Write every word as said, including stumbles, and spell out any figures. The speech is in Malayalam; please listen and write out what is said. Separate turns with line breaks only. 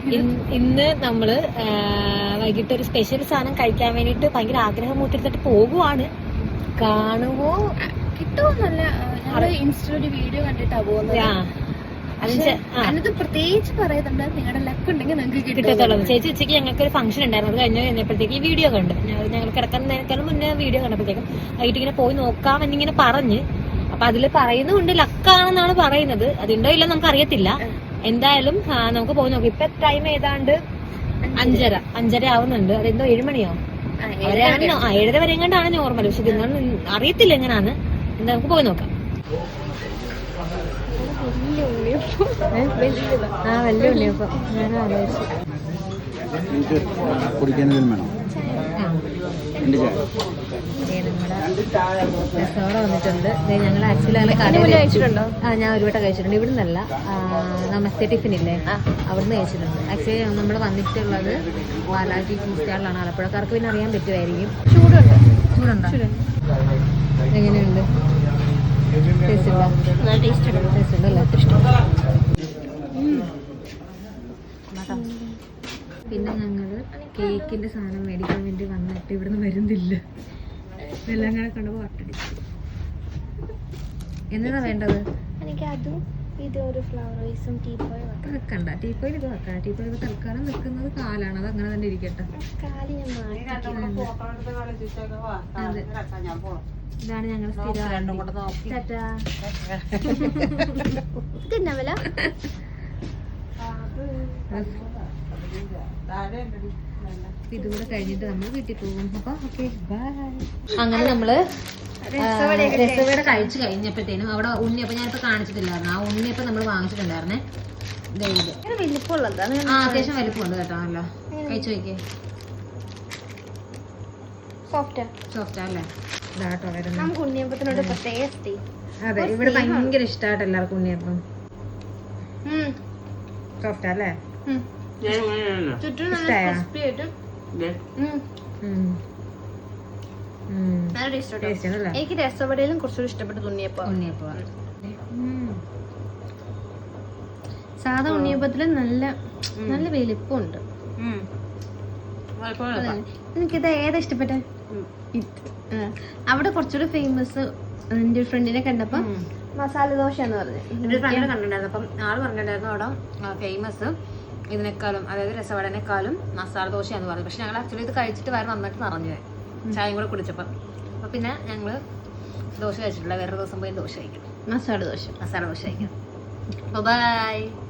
ഇന്ന് നമ്മള് വൈകിട്ട് ഒരു സ്പെഷ്യൽ സാധനം കഴിക്കാൻ വേണ്ടിട്ട് ഭയങ്കര ആഗ്രഹം മൂത്തെടുത്തിട്ട് പോകുവാണ്. കാണുമോ
കിട്ടുമോന്നല്ല, ഇൻസ്റ്റ ഒരു വീഡിയോ കണ്ടിട്ടാ പോകുന്നത്. അതിനകത്ത് പ്രത്യേകിച്ച് പറയുന്നുണ്ട് നിങ്ങളുടെ ലക്ക് ഉണ്ടെങ്കിൽ നിങ്ങൾക്ക്
കിട്ടത്തുള്ളത്. ചേച്ചി ഉച്ചയ്ക്ക് ഞങ്ങൾക്ക് ഒരു ഫംഗ്ഷൻ ഉണ്ടായിരുന്നു. അത് കഴിഞ്ഞ് കഴിഞ്ഞപ്പോഴത്തേക്ക് ഈ വീഡിയോ കണ്ട് ഞങ്ങൾ കിടക്കാൻ നേരത്തേക്കാളും മുന്നേ വീഡിയോ കണ്ടപ്പോഴത്തേക്കും വൈകിട്ട് ഇങ്ങനെ പോയി നോക്കാം എന്നിങ്ങനെ പറഞ്ഞ്. അപ്പൊ അതില് പറയുന്നുണ്ട് ലക്കാണെന്നാണ് പറയുന്നത്. അതുണ്ടോ ഇല്ല നമുക്ക് അറിയത്തില്ല. എന്തായാലും നമുക്ക് പോയി നോക്കാം. ഇപ്പൊ ടൈം ഏതാണ്ട് അഞ്ചര അഞ്ചര ആവുന്നുണ്ട്. അതെന്തോ ഏഴുമണിയോ അവരാണ് ആ ഏഴര വരെ എങ്ങാണ്ടാണ് നോർമൽ. പക്ഷെ ഇതൊന്നും അറിയത്തില്ല എങ്ങനെയാന്ന്. എന്താ നമുക്ക് പോയി നോക്കാം. ആ വലിയ ഉണ്ണിയപ്പം ഞാൻ ആലോചിച്ചു. നമ്മുടെ വന്നിട്ടുണ്ട്. ഞങ്ങൾ ആക്ച്വലി ആ ഞാൻ ഒരു വട്ടം കഴിച്ചിട്ടുണ്ട്. ഇവിടെ നിന്നല്ല, നമസ്തേ ടിഫിനില്ലേ അവിടുന്ന് കഴിച്ചിട്ടുണ്ട്. ആക്ച്വലി നമ്മൾ വന്നിട്ടുള്ളത് ബാലാജി ടീ സ്റ്റാളിലാണ്. ആലപ്പുഴക്കാർക്ക് പിന്നെ അറിയാൻ പറ്റുമായിരിക്കും.
ചൂടുണ്ട്.
ചൂടുണ്ടോ? എങ്ങനെയുണ്ട്? ടേസ്റ്റ് ഉണ്ടോ? ടേസ്റ്റ് ഉണ്ടല്ലേ? പിന്നെ ഞങ്ങള് കേക്കിന്റെ സാധനം മേടിക്കാൻ വേണ്ടി വന്നിട്ട് ഇവിടുന്ന് വരുന്നില്ല. എല്ലാം കൂടെ കൊണ്ടുപോ ഒട്ടടിച്ചു. എന്നതാ വേണ്ടത്?
എനിക്ക് അതും ഇതൊരു ഫ്ലവർ വൈസും ടീപ്പോയി
വെക്കണ്ട. ടീപ്പോയിൽ ഇത് വെക്കണം. ടീപ്പോയിൽ തൽക്കാലം വെക്കുന്നത് കാലാണ്. അത് അങ്ങനെ തന്നെ ഇരിക്കട്ടെ. ഇതാണ് ഞങ്ങൾ സ്ഥിരം. ഇതുകൂടെ കഴിഞ്ഞിട്ട് നമ്മൾ വീട്ടിൽ പോകും. അപ്പൊ ഓക്കെ ബൈ. അങ്ങനെ നമ്മള് രസവട കഴിച്ചു കഴിഞ്ഞപ്പോഴത്തേനും അവിടെ ഉണ്ണിയപ്പം ഞാനിപ്പോ കാണിച്ചിട്ടില്ലായിരുന്നു. ആ ഉണ്ണിയപ്പം നമ്മൾ വാങ്ങിച്ചിട്ടുണ്ടായിരുന്നേ. ആ അത്യാവശ്യം വലിപ്പമുണ്ട് കേട്ടോ. അല്ല കഴിച്ചു നോക്കിയേ. സോഫ്റ്റ് അല്ലേ? ഇതാട്ടോ അതെ, ഇവിടെ ഭയങ്കര ഇഷ്ടമായിട്ട് എല്ലാവർക്കും ഉണ്ണിയപ്പം. സോഫ്റ്റ് അല്ലേ?
എനിക്ക് രസവടയിലും കുറച്ചുകൂടി ഇഷ്ടപ്പെട്ടത് ഉണ്ണിയപ്പം.
ഉണ്ണിയപ്പം
സാധാ ഉണ്ണിയപ്പത്തില് നല്ല നല്ല വലിപ്പമുണ്ട്. എനിക്കിത് ഏതാ ഇഷ്ടപ്പെട്ടെ? അവിടെ കുറച്ചുകൂടി ഫേമസ് എന്റെ ഫ്രണ്ടിനെ കണ്ടപ്പോ മസാല ദോശ എന്ന് പറഞ്ഞു.
എന്റെ ഫ്രണ്ടിനെ കണ്ടിട്ടുണ്ടായിരുന്നു. അപ്പം ആള് പറഞ്ഞിട്ടുണ്ടായിരുന്നു അവിടെ ഫേമസ് ഇതിനേക്കാളും, അതായത് രസവടനേക്കാളും മസാല ദോശയാന്ന് പറഞ്ഞു. പക്ഷെ ഞങ്ങൾ ആക്ച്വലി ഇത് കഴിച്ചിട്ട് വരെ നന്നായിട്ട് നിറഞ്ഞു പോയി ചായയും കൂടെ കുടിച്ചപ്പം. അപ്പൊ പിന്നെ ഞങ്ങള് ദോശ കഴിച്ചിട്ടില്ല. വേറെ ദിവസം പോയി ദോശ കഴിക്കും.
മസാല ദോശ
മസാല ദോശ കഴിക്കും. ബൈ.